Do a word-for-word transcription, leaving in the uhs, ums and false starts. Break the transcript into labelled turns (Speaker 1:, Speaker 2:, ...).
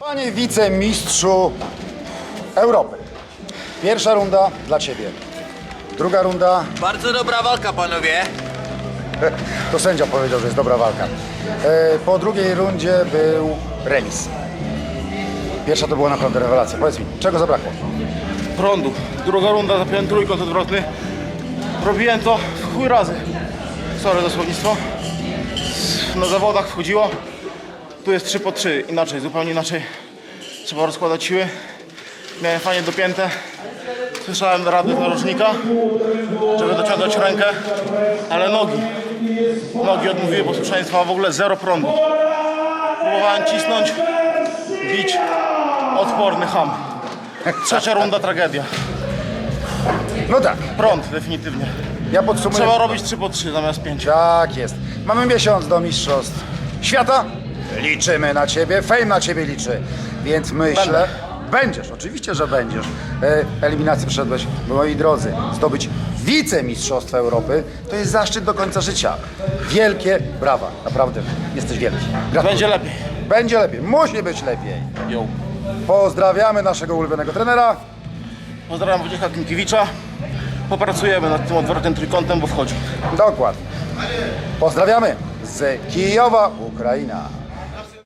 Speaker 1: Panie wicemistrzu Europy, pierwsza runda dla Ciebie. Druga runda,
Speaker 2: Bardzo dobra walka, panowie.
Speaker 1: to sędzia powiedział, że jest dobra walka. E, Po drugiej rundzie był remis. Pierwsza to była naprawdę rewelacja. Powiedz mi, czego zabrakło?
Speaker 3: Prądu. Druga runda, zapiąłem trójkąt odwrotny. Robiłem to w chuj razy. Sorry za słownictwo. Na zawodach wchodziło. Tu jest trzy po trzy. Inaczej, zupełnie inaczej. Trzeba rozkładać siły. Miałem fajnie dopięte. Słyszałem rady narożnika, żeby dociągać rękę, ale nogi. Nogi odmówiły posłuszeństwa, w ogóle zero prądu. Próbowałem cisnąć, bić. Odporny ham. Trzecia runda tragedia.
Speaker 1: No tak,
Speaker 3: Prąd definitywnie.
Speaker 1: ja podsumuję.
Speaker 3: Trzeba robić trzy po trzy zamiast pięć.
Speaker 1: Tak jest. Mamy miesiąc do mistrzostw świata. Liczymy na Ciebie, Fame na Ciebie liczy. Więc myślę, będziesz, oczywiście, że będziesz. E, eliminację przeszedłeś, moi drodzy. Zdobyć wicemistrzostwo Europy to jest zaszczyt do końca życia. Wielkie brawa, naprawdę, jesteś wielki. Gratuluję.
Speaker 3: Będzie lepiej.
Speaker 1: Będzie lepiej, musi być lepiej.
Speaker 3: Yo.
Speaker 1: Pozdrawiamy naszego ulubionego trenera.
Speaker 3: Pozdrawiam Wojciecha Klimkiewicza. Popracujemy nad tym odwrotnym trójkątem, bo wchodzi.
Speaker 1: Dokładnie. Pozdrawiamy z Kijowa, Ukraina.